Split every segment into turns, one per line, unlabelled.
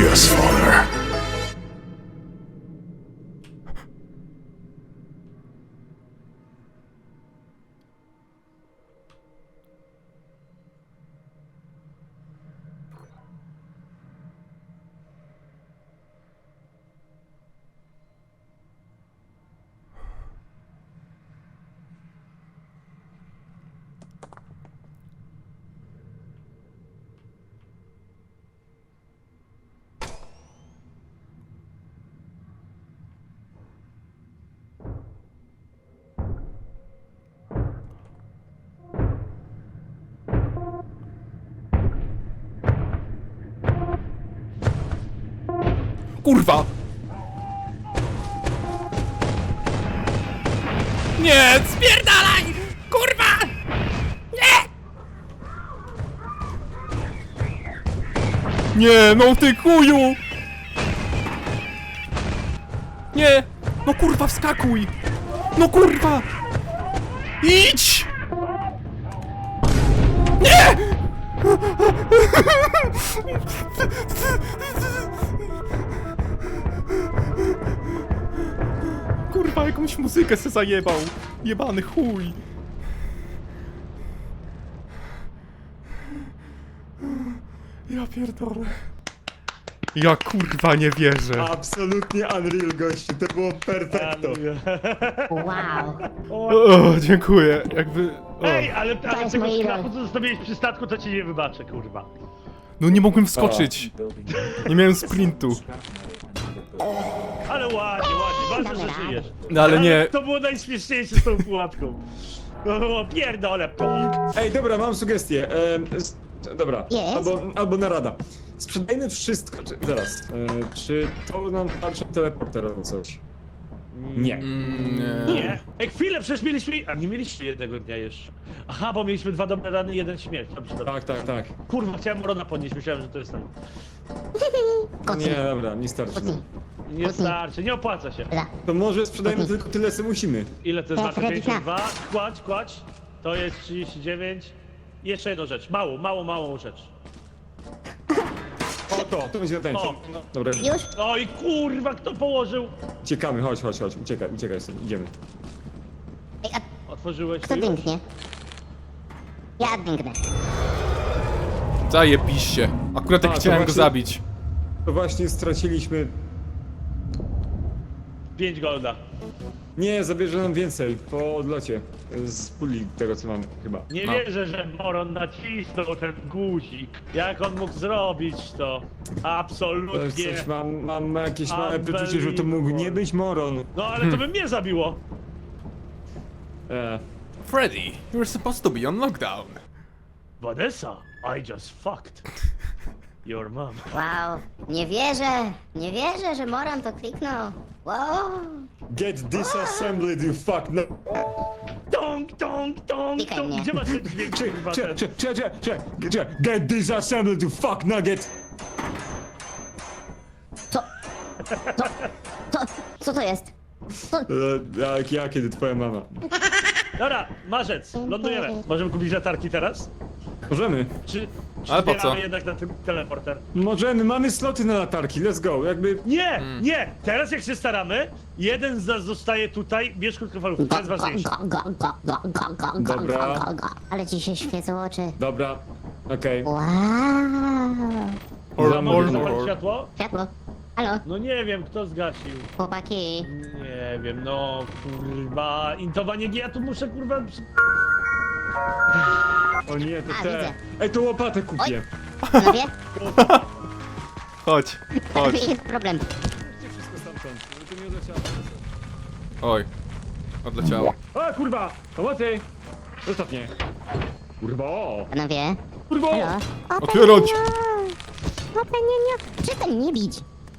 Yes, father.
Kurwa! Nie, spierdalaj! Kurwa! Nie! Nie, no ty kuju! Nie! No kurwa, wskakuj! No kurwa! Idź! Nie! Kurwa, jakąś muzykę se zajebał. Jebany chuj. Ja pierdolę. Ja kurwa nie wierzę.
Absolutnie unreal, gościu, to było perfekto.
Wow.
O, dziękuję. Jakby... O.
Ej, ale
jest
tego
mój
skrapu,
idol.
co zostawiłeś przy statku, to ci nie wybaczę, kurwa.
No nie mogłem wskoczyć. Nie miałem sprintu.
Ale ładnie, ważne, że żyjesz.
No ale nie...
To było najśmieszniejsze z tą pułapką. To było pierdolę, pum.
Ej, dobra, mam sugestię. Dobra,
Jest?
albo narada. Sprzedajmy wszystko, zaraz. Czy to nam tarcza teleporter albo coś? Nie.
Nie. Ej, chwilę, przecież mieliśmy... A nie mieliście jednego dnia jeszcze. Aha, bo mieliśmy 2 dobre rany, 1 śmierć. Dobrze, dobrze.
Tak.
Kurwa, chciałem Morona podnieść, myślałem, że to jest ten.
Kocy.
Nie, dobra, nie starczy.
Kocy.
Nie starczy, nie opłaca się.
Dobra.
To może sprzedajmy tylko tyle, co musimy.
Ile to jest
Tak,
warte?
Freddy,
52? Kładź. To jest 39. I jeszcze jedną rzecz. Małą rzecz.
O, to będzie tańsze.
O.
Dobra,
Już?
Oj, kurwa, kto położył?
uciekamy, chodź. Uciekaj stąd, idziemy.
Ej, a
Otworzyłeś
kto
to już?
dęknie? Ja dęknę.
Zajebiście. Akurat tak
A, to
chciałem go
właśnie-
zabić.
To właśnie straciliśmy...
5 golda.
Nie, zabierze nam więcej po odlocie z puli tego, co mamy chyba.
Nie
No.
wierzę, że Moron nacisnął ten guzik. Jak on mógł zrobić to?
To
Absolutnie.
jest coś, mam jakieś małe przeczucie, że to mógł nie być Moron.
No ale to by mnie zabiło.
Freddy, you're supposed to be on lockdown.
Vanessa, I just fucked your mom.
Wow. Nie wierzę, że Moran to kliknął. Wow.
Get disassembled, you fuck no.
Tong.
Klikaj mnie.
Gdzie masz ten dźwięk, kurwa, ten?
Get disassembled, you fuck nugget.
Co to jest?
Ja, kiedy twoja mama.
Dobra, marzec, lądujemy. Możemy kupić latarki teraz?
Możemy.
Czy
Ale po
zbieramy
co?
jednak na tym teleporter?
Możemy, mamy sloty na latarki, let's go, jakby...
Nie! Teraz jak się staramy, jeden z nas zostaje tutaj, bierz krótkofalówkę, to jest ważniejsze.
Dobra.
Ale ci się świecą oczy.
Dobra, okej.
Wow.
Or,
Mogę
or,
zapalić
or.
światło?
Światło. Halo,
No nie wiem, kto zgasił.
chłopaki.
Nie wiem, no kurwa, intowanie G, ja tu muszę kurwa...
O nie, to
A,
te...
widzę.
Ej, to łopatę kupię.
Panowie,
Chodź.
jest problem.
Wszystko stamtąd, żeby to nie odleciało.
Oj. Odleciało.
O kurwa, pomocy! Zostaw mnie. Kurwa,
Panowie.
kurwa!
Halo.
Otwierać!
Nie. Przestań mnie bić.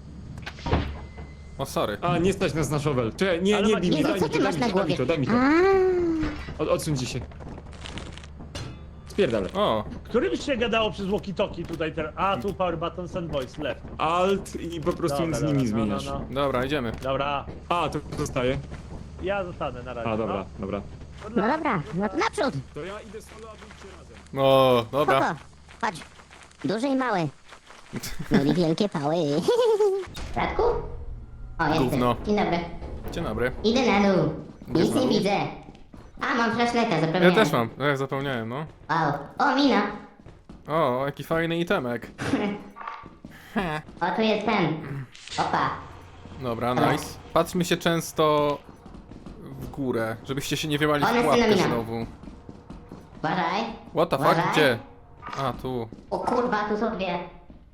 O, sorry.
A, nie stać nas na shovel. Czekaj, nie
Ale
bij
Maciej,
mnie,
Jezu,
daj
co
mi
ty
to,
masz na
daj mi
głowie?
to, daj mi to. Odsuńcie się. Spierdalę.
O.
Którym się gadało przez walkie-talkie tutaj teraz? A, tu power buttons and voice, left.
Alt i po prostu
Dobra,
z nimi
dobra,
zmieniasz.
No.
Dobra, idziemy.
Dobra,
A, to zostaje.
ja zostanę na razie.
A, dobra, dobra.
No dobra, no to naprzód.
To ja idę solo, a wy idźcie razem.
O, dobra.
Spoko. Chodź. Duży i mały. No i wielkie pały. Radku? O, jesteś.
Gówno.
Dzień dobry.
Dzień dobry.
Idę na dół. Nic
znowu?
nie widzę. A, mam flashlighta,
Ja
zapomniałem.
też mam, ja zapomniałem, no.
Wow. O, mina.
O, jaki fajny itemek.
O, tu jest ten. Opa.
Dobra, nice. Patrzmy się często w górę, żebyście się nie wjebali
One
w pułapkę
synomina.
znowu.
Uważaj.
What the fuck?
Uważaj.
Gdzie? A, tu.
O kurwa, tu są dwie.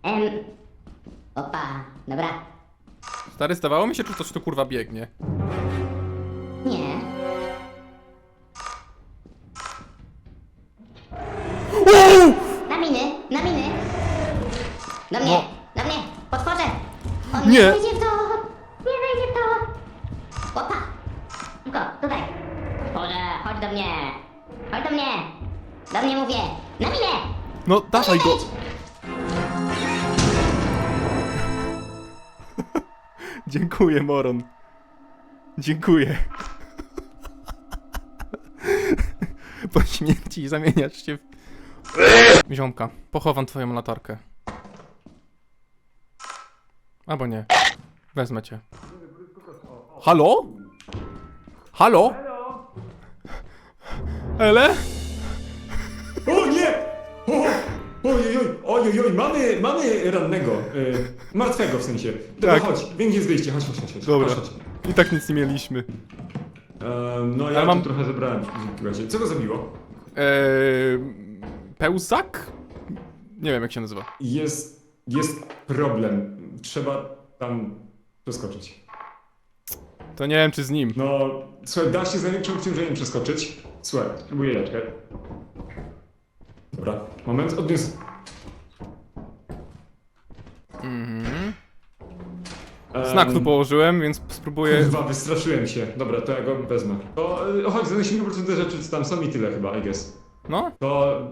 Opa. Dobra.
Stary, zdawało mi się, czy coś tu kurwa biegnie.
Nie. Na miny, na miny. Do mnie, do mnie, potworzę. On
Nie.
nie wejdzie w to. Nie wejdzie w to. Opa. Szybko, tutaj. Potworze, chodź do mnie. Chodź do mnie. Do mnie mówię. Na minę.
No, dawaj go!
Wejdź.
Dziękuję, Moron. Dziękuję. Po śmierci zamieniasz się w... Ziomka, pochowam twoją latarkę. Albo nie. Wezmę cię. Halo? Halo? Ele?
O nie! Ojoj, mamy rannego. Martwego w sensie. Dobra,
Tak.
chodź, wiem gdzie jest wyjście, chodź.
Dobra.
Chodź.
I tak nic nie mieliśmy.
No ja
Ale mam-
tu trochę zebrałem. Słuchajcie, co go zabiło?
Pełzak? Nie wiem jak się nazywa.
Jest problem. Trzeba tam przeskoczyć.
To nie wiem czy z nim.
No, słuchaj, da się z największym obciążeniem przeskoczyć. Słuchaj, spróbuję leczkę. Dobra, moment, odniósł.
Mhm. Znak tu położyłem, więc spróbuję...
Kurwa, wystraszyłem się. Dobra, to ja go wezmę. To chodź, zanosimy po prostu te rzeczy, co tam są i tyle chyba, I guess.
No?
To...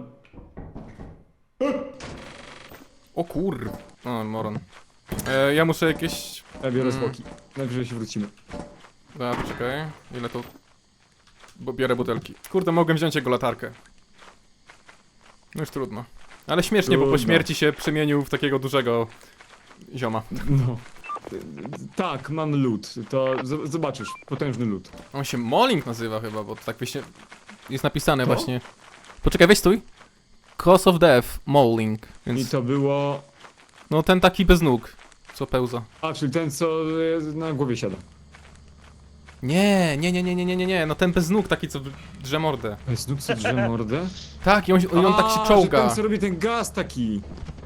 O kur... O, moron. Ja muszę jakieś...
Ja biorę zwłoki. Najwyżej się wrócimy.
A, poczekaj. Ile to... Bo biorę butelki. Kurde, mogłem wziąć jego latarkę. No już trudno. Ale śmiesznie, bo po
Trudno.
śmierci się przemienił w takiego dużego... zioma.
No. Tak, mam lód. To zobaczysz, potężny lód.
On się Molling nazywa chyba, bo to tak właśnie... Jest napisane
Co?
właśnie... Poczekaj, weź stój. Cause of death, Molling.
I
Więc...
to było...
No ten taki bez nóg. Co pełza.
A, czyli ten, co na głowie siada.
Nie, no ten bez nóg taki, co drze mordę.
Znów co drze mordę?
Tak, i on tak się
Że
czołga.
ten, co robi ten gaz taki.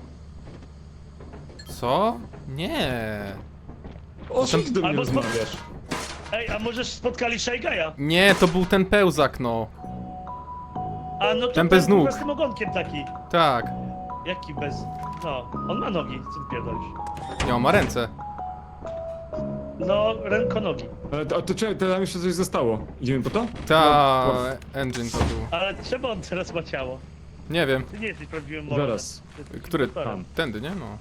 Co? Nie.
O czym ty do mnie
Albo spo-
rozmawiasz?
Ej, a możesz spotkali Shaygaja?
Nie, to był ten pełzak, no.
A no to
Ten bez nóg.
z tym ogonkiem taki.
Tak.
Jaki bez... No, on ma nogi, co ty pierdolisz?
Nie, on ma ręce.
No, rękonogi.
A to czemu, tam jeszcze coś zostało? Idziemy po to?
Ta
No,
engine to był.
Ale czemu on teraz ma ciało?
Nie wiem.
Ty nie jesteś prawdziwym mordercą.
Zaraz.
Ty jesteś
Który?
impostorem.
Tędy, nie? No.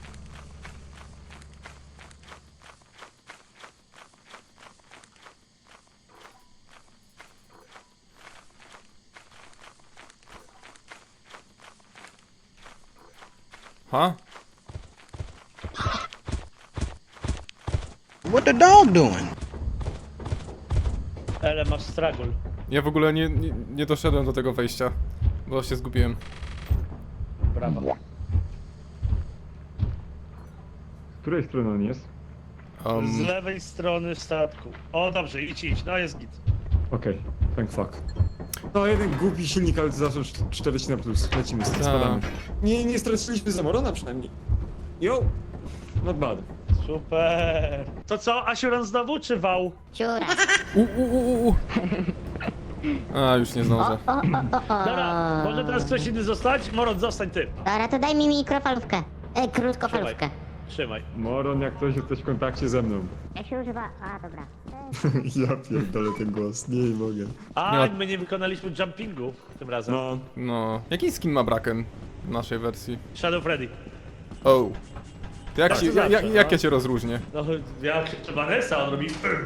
Ha?
What the dog doing?
Ale masz stragul.
Ja w ogóle nie doszedłem do tego wejścia, bo się zgubiłem.
Brawo.
Z której strony on jest?
Z lewej strony statku. O, dobrze, idź. No, jest git.
Okej, thank fuck. No jeden głupi silnik, ale to zawsze 40 na plus. Lecimy, spadamy. Nie straciliśmy Zamorona przynajmniej. Yo! Not bad.
Super. To co, Asiuran znowu, czy wał?
Ciura.
A, już nie zdążę.
Dobra, może teraz ktoś inny zostać? Moron, zostań ty.
Dobra, to daj mi mikrofalówkę. Krótkofalówkę.
Trzymaj.
Moron, jak ktoś jesteś w kontakcie ze mną.
Jak się używa... A, dobra.
Ja pierdolę ten głos, nie mogę.
A,
Nie.
my nie wykonaliśmy jumpingu tym razem.
No,
No. Jaki skin ma Braken w naszej wersji?
Shadow Freddy.
Oh. To jak,
Tak,
się,
to zawsze,
jak
no.
ja cię rozróżnię?
No, ja krzyczę Vanessa, on robi...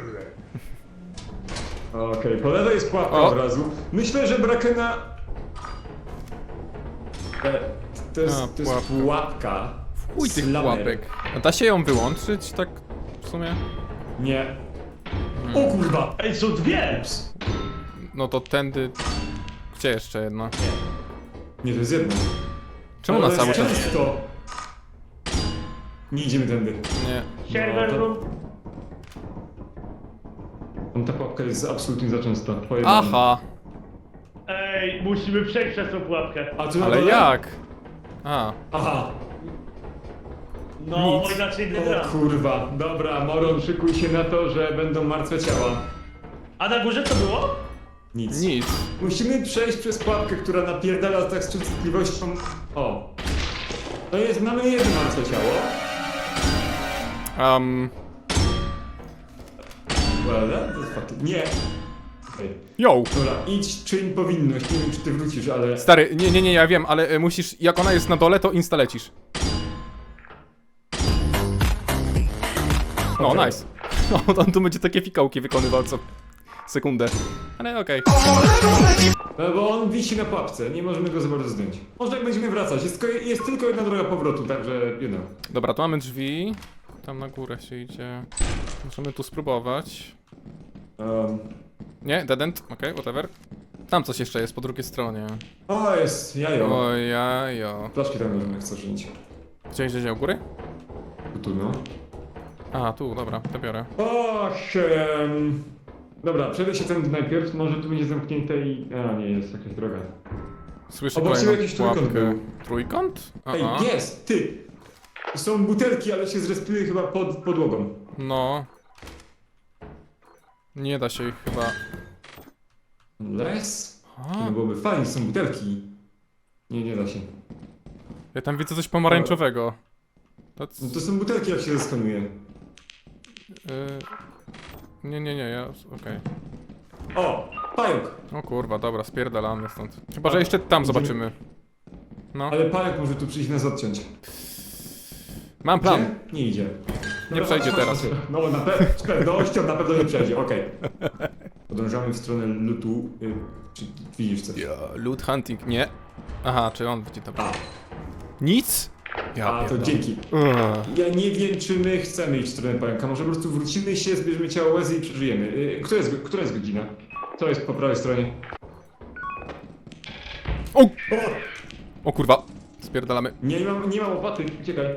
okej, po lewej jest pułapka
O.
od razu. Myślę, że Brakena... To jest
A,
pułapka.
Chuj tych
Slamer.
pułapek. A da się ją wyłączyć tak w sumie?
Nie. O kurwa!
Ej, są dwie!
No to tędy... Gdzie jeszcze jedna?
Nie, to jest jedno.
Czemu na
Ale
cały czas...
często. Nie idziemy tędy.
Nie.
Server
to-
room.
Ta pułapka jest absolutnie za częsta. Pojebana.
Aha!
Ej, musimy przejść przez tą pułapkę.
A tu na
Ale
dole?
jak? A,
Aha.
No,
Nic.
bo inaczej nie
O
gra.
kurwa. Dobra, Moron, szykuj się na to, że będą martwe ciała.
A na górze co było?
Nic.
nic.
Musimy przejść przez pułapkę, która napierdala tak z częstotliwością... O. To jest, mamy jedno martwe ciało. Well, to jest fakt. Nie. Okej.
Yo!
Dobra, idź, czyń powinność. Nie wiem, czy ty wrócisz, ale...
Stary, nie, ja wiem, ale musisz, jak ona jest na dole, to insta lecisz. No,
Okej.
nice. No, on tu będzie takie fikołki wykonywał co sekundę. Ale okej.
No bo on wisi na pułapce, nie możemy go za bardzo zdjąć. Może jak będziemy wracać, jest tylko jedna droga powrotu, także you know.
Dobra, tu mamy drzwi. Tam na górę się idzie. Możemy tu spróbować. Nie, dead end, okej, whatever. Tam coś jeszcze jest po drugiej stronie.
O, jest jajo.
Ojajo.
Flaszki tam możemy chcesz wziąć.
Gdzie u góry?
Tu, no.
A, tu, dobra, to biorę.
Och, dobra, przejdę się tędy najpierw, może tu będzie zamknięte i... A, nie, jest jakaś droga.
Słyszę
Obok
kolejną
siebie jakiś trójkąt
pułapkę.
był.
Trójkąt?
Ej,
Aha.
jest, ty! Są butelki, ale się zrespiły chyba pod podłogą.
No. Nie da się ich chyba...
Les?
A,
No byłoby fajnie, są butelki. Nie da się.
ja tam widzę coś pomarańczowego. To...
No to są butelki, jak się zeskanuje.
Nie, ja... okej.
O! Pająk!
O kurwa, dobra, spierdalamy stąd. Chyba, że jeszcze tam
Idziemy.
zobaczymy. No.
Ale pająk może tu przyjść nas odciąć.
Mam plan.
Gdzie? Nie idzie.
Nie przejdzie teraz.
No z pewnością na pewno nie przejdzie, okej. Podążamy w stronę lutu. Czy widzisz coś?
Loot hunting, nie. Aha, czy on widzi to?
A,
Nic? Ja
a to
pierdolę.
dzięki. Ja nie wiem, czy my chcemy iść w stronę pająka. Może po prostu wrócimy się, zbierzemy ciało Łezy i przeżyjemy. Która jest godzina? Co jest po prawej stronie?
O!
O!
O kurwa, spierdalamy.
Nie mam łopaty, uciekaj.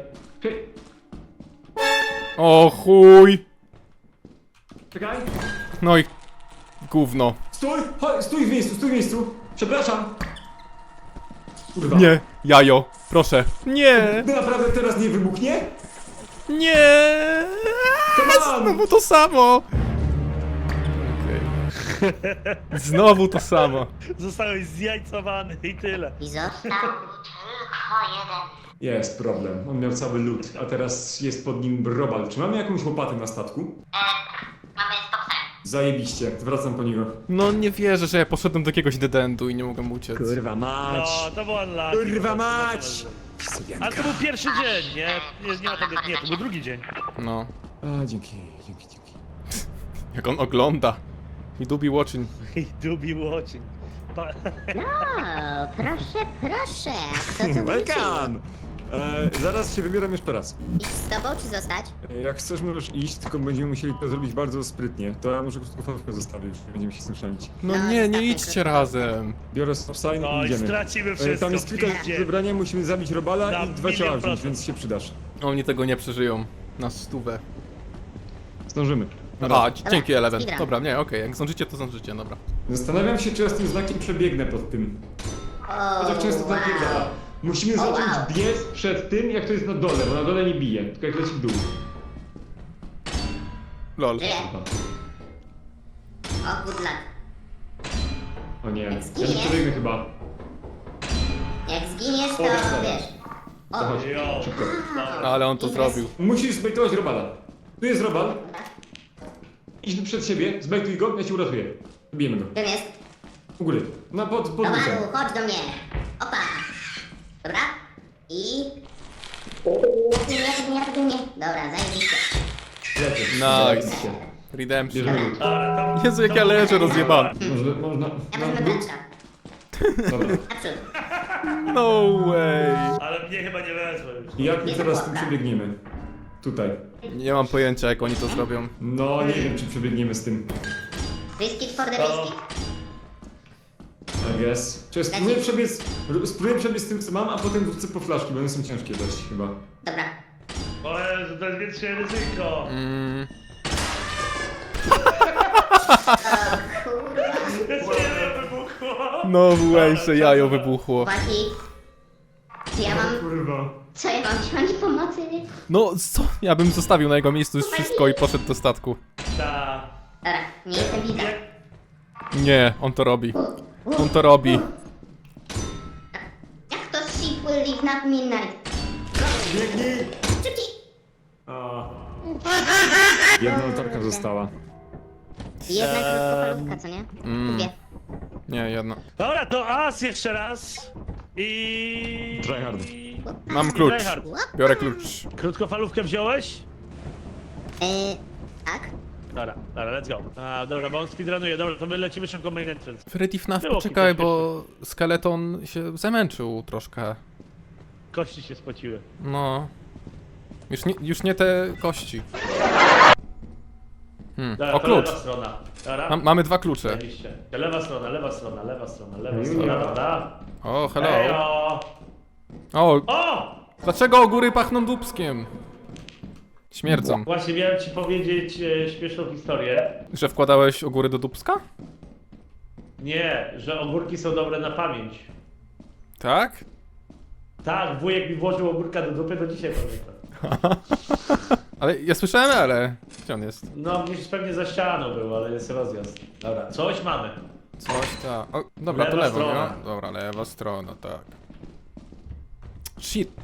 O chuj!
Czekaj.
No i gówno.
Stój! Chodź, stój w miejscu! Przepraszam! Kurwa.
Nie, jajo, proszę. Nie,
No naprawdę teraz nie wybuchnie?
nie.
Come on!
Znowu to samo. Okej. Znowu to samo.
Zostałeś zjajcowany i tyle.
I został mi tylko jeden.
Jest problem. On miał cały lód, a teraz jest pod nim brobal. Czy mamy jakąś łopatę na statku?
Mamy stopsem.
Zajebiście, wracam po niego.
No nie wierzę, że ja poszedłem do jakiegoś dedendu i nie mogłem uciec.
Kurwa mać!
No, to było unlucky.
Kurwa mać!
Ale to był pierwszy dzień, nie ma tego, nie, to był drugi dzień.
No,
A, dzięki.
jak on ogląda. I dubi watching.
I dubi watching.
No, proszę. Kto tu wrócił?
Zaraz się wybieram jeszcze raz.
Iść z tobą czy zostać?
Jak chcesz, możesz iść, tylko będziemy musieli to zrobić bardzo sprytnie. To ja muszę krótką fotkę zostawić, nie będziemy się z tym szalić.
No
No,
nie
zostawmy
idźcie
to.
razem.
Biorę stop sign
No
i
i
idziemy.
stracimy wszystko.
Tam jest kilka do
idzie.
wybrania, musimy zabić robala
Na
i 2 ciała
milion
wziąć,
procent.
więc się przydasz.
Oni tego nie przeżyją. Na 100.
Zdążymy.
A, dzięki Eleven.
speedrun.
Dobra, nie, okej, jak zdążycie, to zdążycie, dobra.
Zastanawiam się, czy ja z tym znakiem przebiegnę pod tym.
O,
Chociaż często tak nie da. Musimy
O,
zacząć
wow.
biec przed tym, jak to jest na dole, bo na dole nie bije, tylko jak leci w dół.
Lol.
Żyję. O, good luck.
O nie, ja nie
Zginiesz?
przebiegnę chyba.
Jak zginiesz, to
O, dobra.
wiesz. O,
Chodź,
Jo.
szybko.
Ale on to zrobił.
Musisz zbejtować robala. Tu jest robal. Idź przed siebie, zbejtuj go, ja cię uratuję. Bijemy go.
czym jest?
U góry. No pod
Robalu,
lucem.
chodź do mnie. Opa. Dobra. I... Nie. Dobra, zajebiście.
Lecę.
Nice. Redemption.
Bierzemy lód.
Jezu, jak ja leżę rozjebany.
Można...
Ja
No,
wezmę
lód.
beczka.
Dobra.
Naprzód.
No way.
Ale mnie chyba nie wezmą już.
I jak my teraz tu przebiegniemy? Tutaj.
Nie mam pojęcia, jak oni to zrobią.
No, nie wiem, czy przebiegniemy z tym.
Risk it for the
To-
biscuit?
I guess. Czy spróbuję przebiec z tym, co mam, a potem wrócę po flaszki, bo one są ciężkie dość chyba.
Dobra.
O Jezu, to jest większe ryzyko. Jest nie wybuchło.
No way, że jajo wybuchło.
Chłopaki. Czy ja mam...
Kurwa.
Co ja mam wziąć pomocy?
No co? Ja bym zostawił na jego miejscu już wszystko i poszedł do statku.
Ta.
Dobra, nie jestem widza.
Nie, on to robi. On to robi.
Jak to ship will leave not midnight?
Biegnij!
Szybciej!
Jedna latarka została.
Jedna krótkofalówka, co nie? Dwie.
Nie, jedna.
Dobra, to as jeszcze raz. I...
Tryhard.
Mam klucz.
Tryhard.
Biorę klucz.
Krótkofalówkę wziąłeś?
Tak?
Dobra, let's go. A, dobra, bo on speedrunuje. Dobra, to my lecimy szybko main entrance.
Freddy FNAF,
Było
poczekaj,
kilka
bo skeleton się zamęczył troszkę.
Kości się spociły.
No. Już nie te kości.
Dobra,
O,
to
klucz.
lewa strona. Dobra.
Mamy dwa klucze.
Oczywiście. Lewa strona, lewa strona, lewa strona, lewa
Mm.
strona, dobra?
O, hello.
Ejo!
O,
O!
dlaczego góry pachną dubskiem? Śmierdzą.
Właśnie miałem ci powiedzieć śmieszną historię.
Że wkładałeś ogóry do dubska?
Nie, że ogórki są dobre na pamięć.
Tak?
Tak, wujek mi włożył ogórka do dupy, do dzisiaj pamiętam.
Ale ja słyszałem, ale... Gdzie on jest?
No, gdzieś pewnie za ścianą był, ale jest rozjazd. Dobra, coś mamy.
Coś ta... O, dobra, to
Lewa
lewo,
strona.
nie? Dobra, lewa strona, tak. Shit.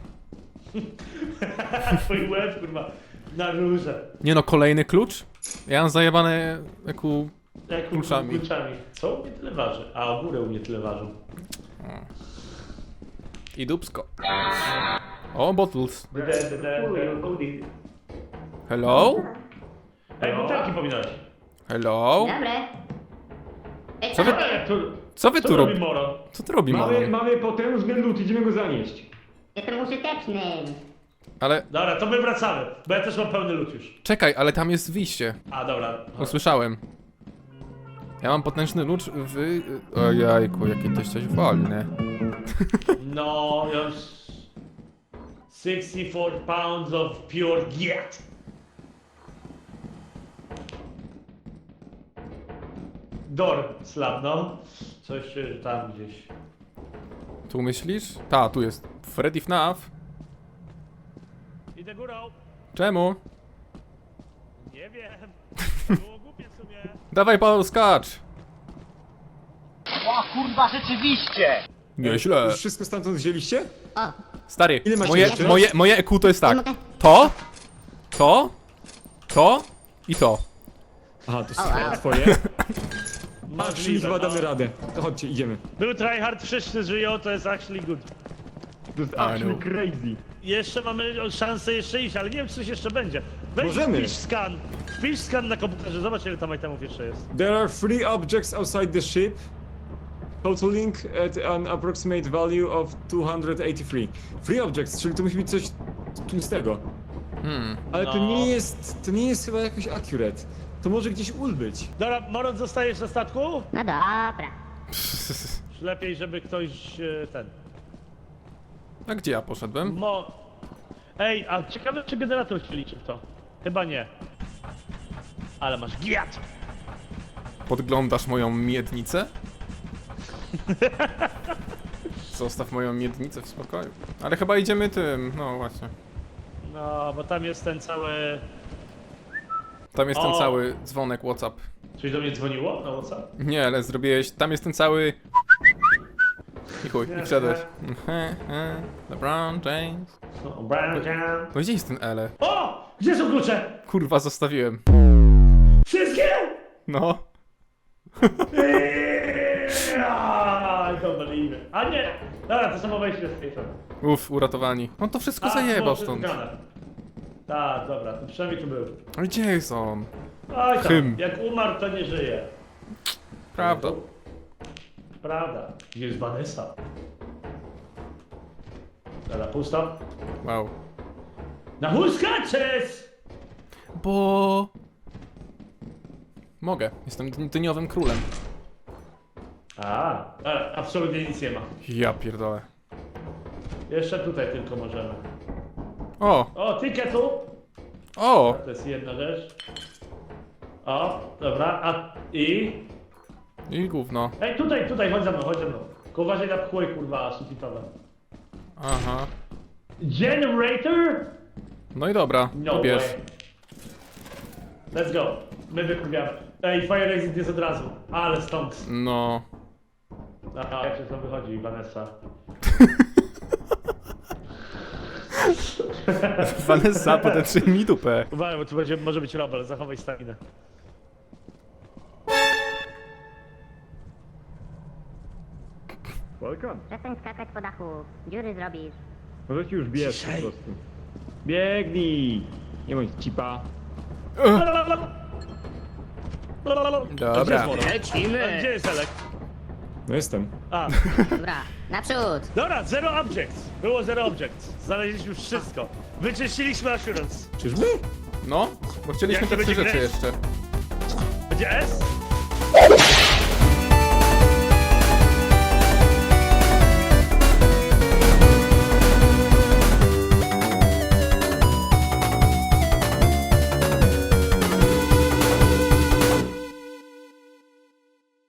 Twój łeb, kurwa, na rurze.
Nie no, kolejny klucz? Ja mam zajebane jaku...
Jak
Kluczami.
kluczami. Co u mnie tyle waży? A ogórę u mnie tyle ważą.
I dubsko. O, bottles. Hello?
Ej, butelki pominąłeś.
Hello?
Dobre. Ej,
Co wy-
Jak tu,
Co wy
co
tu
robi
robicie?
Moron?
Co ty robi,
Mamy,
mamo?
mamy potężny lód, idziemy go zanieść.
Jestem użyteczny.
Ale...
Dobra, to my wracamy, bo ja też mam pełny lód już.
Czekaj, ale tam jest wyjście.
A, dobra.
Usłyszałem. Ja mam potężny lucz w... Ojajku, jakie ty jesteś wolny.
No, już... 64 pounds of pure giat. Door slab, no. Coś tam gdzieś.
Tu myślisz? Ta, tu jest. Freddy FNAF.
Idę górą.
Czemu?
Nie wiem. Było głupie w sumie.
Dawaj, Paweł, skacz!
O kurwa, rzeczywiście!
Nieźle.
Już wszystko stamtąd wzięliście?
O,
Stary,
Ile macie
moje,
rzeczy?
moje EQ to jest tak.
Nie mogę.
To i to.
Aha, to są
wow.
twoje. Czyli
Możliwe,
chyba
no.
damy radę. To chodźcie, idziemy.
Był tryhard, wszyscy żyją, to jest actually good.
To jest
actually
crazy.
Jeszcze mamy szansę jeszcze iść, ale nie wiem, czy coś jeszcze będzie. Weź
Możemy.
Wpisz skan na komputerze, zobacz ile tam itemów jeszcze jest.
There are 3 objects outside the ship, totaling at an approximate value of 283. 3 objects, czyli to musi być coś tłustego. Ale
No.
to nie jest chyba jakoś accurate. To może gdzieś być.
Dobra, Moron, zostajesz na statku?
no dobra.
Lepiej, żeby ktoś ten...
A gdzie ja poszedłem?
Ej, a ciekawe, czy generator się liczy w to? Chyba nie. Ale masz giat!
Podglądasz moją miednicę? Zostaw moją miednicę w spokoju. Ale chyba idziemy tym, no właśnie.
No, bo tam jest ten cały...
Tam jest ten
O!
cały dzwonek WhatsApp.
Coś do mnie dzwoniło na WhatsApp?
Nie, ale zrobiłeś, tam jest ten cały... I chuj, i wszedłeś. LeBron James.
No, Brian Jam.
No gdzie jest ten Ele?
O! Gdzie są klucze?
Kurwa, zostawiłem.
Wszystkie?
No.
I don't believe it. A nie! Dobra, to samo wejście z tej strony.
Uff, uratowani. On to wszystko zajebał stąd.
Tak, dobra, to przynajmniej tu był.
Ale gdzie jest on?
Oj tam,
Hym.
jak umarł, to nie żyje.
Prawda.
Prawda. Gdzie jest Vanessa? Dobra, pusto.
Wow.
Na chuj skaczesz!
Bo... Mogę. Jestem dyniowym królem.
Absolutnie nic nie ma.
Ja pierdolę.
Jeszcze tutaj tylko możemy.
O!
O, tiketu!
O!
To jest jedna rzecz. O, dobra, i...
I gówno.
Ej, tutaj, chodź za mną. Tylko uważaj na pchły, kurwa, sufitowe.
Aha.
Generator?
No i dobra,
No
bierz.
way. Let's go. My wykurwiamy. Ej, Fire Exit jest od razu. Ale stąd.
No.
Aha, jak się to wychodzi, Vanessa.
Vanessa, podetrzyj mi dupę.
Uważaj, bo tu może być robel, zachowaj staminę.
Welcome.
Przestań skakać po dachu. Dziury zrobisz.
Może ci już bierz po
Ciszej.
prostu. Biegnij! Nie bądź cipa.
Dobra.
A gdzie jest Elek?
No jestem.
A,
Dobra, naprzód.
dobra, zero objects. Było zero objects. Znaleźliśmy wszystko. Wyczyściliśmy assurance.
Czyżby?
No, bo chcieliśmy
Jak to
te trzy
będzie
rzeczy
grać?
jeszcze.
Będzie S?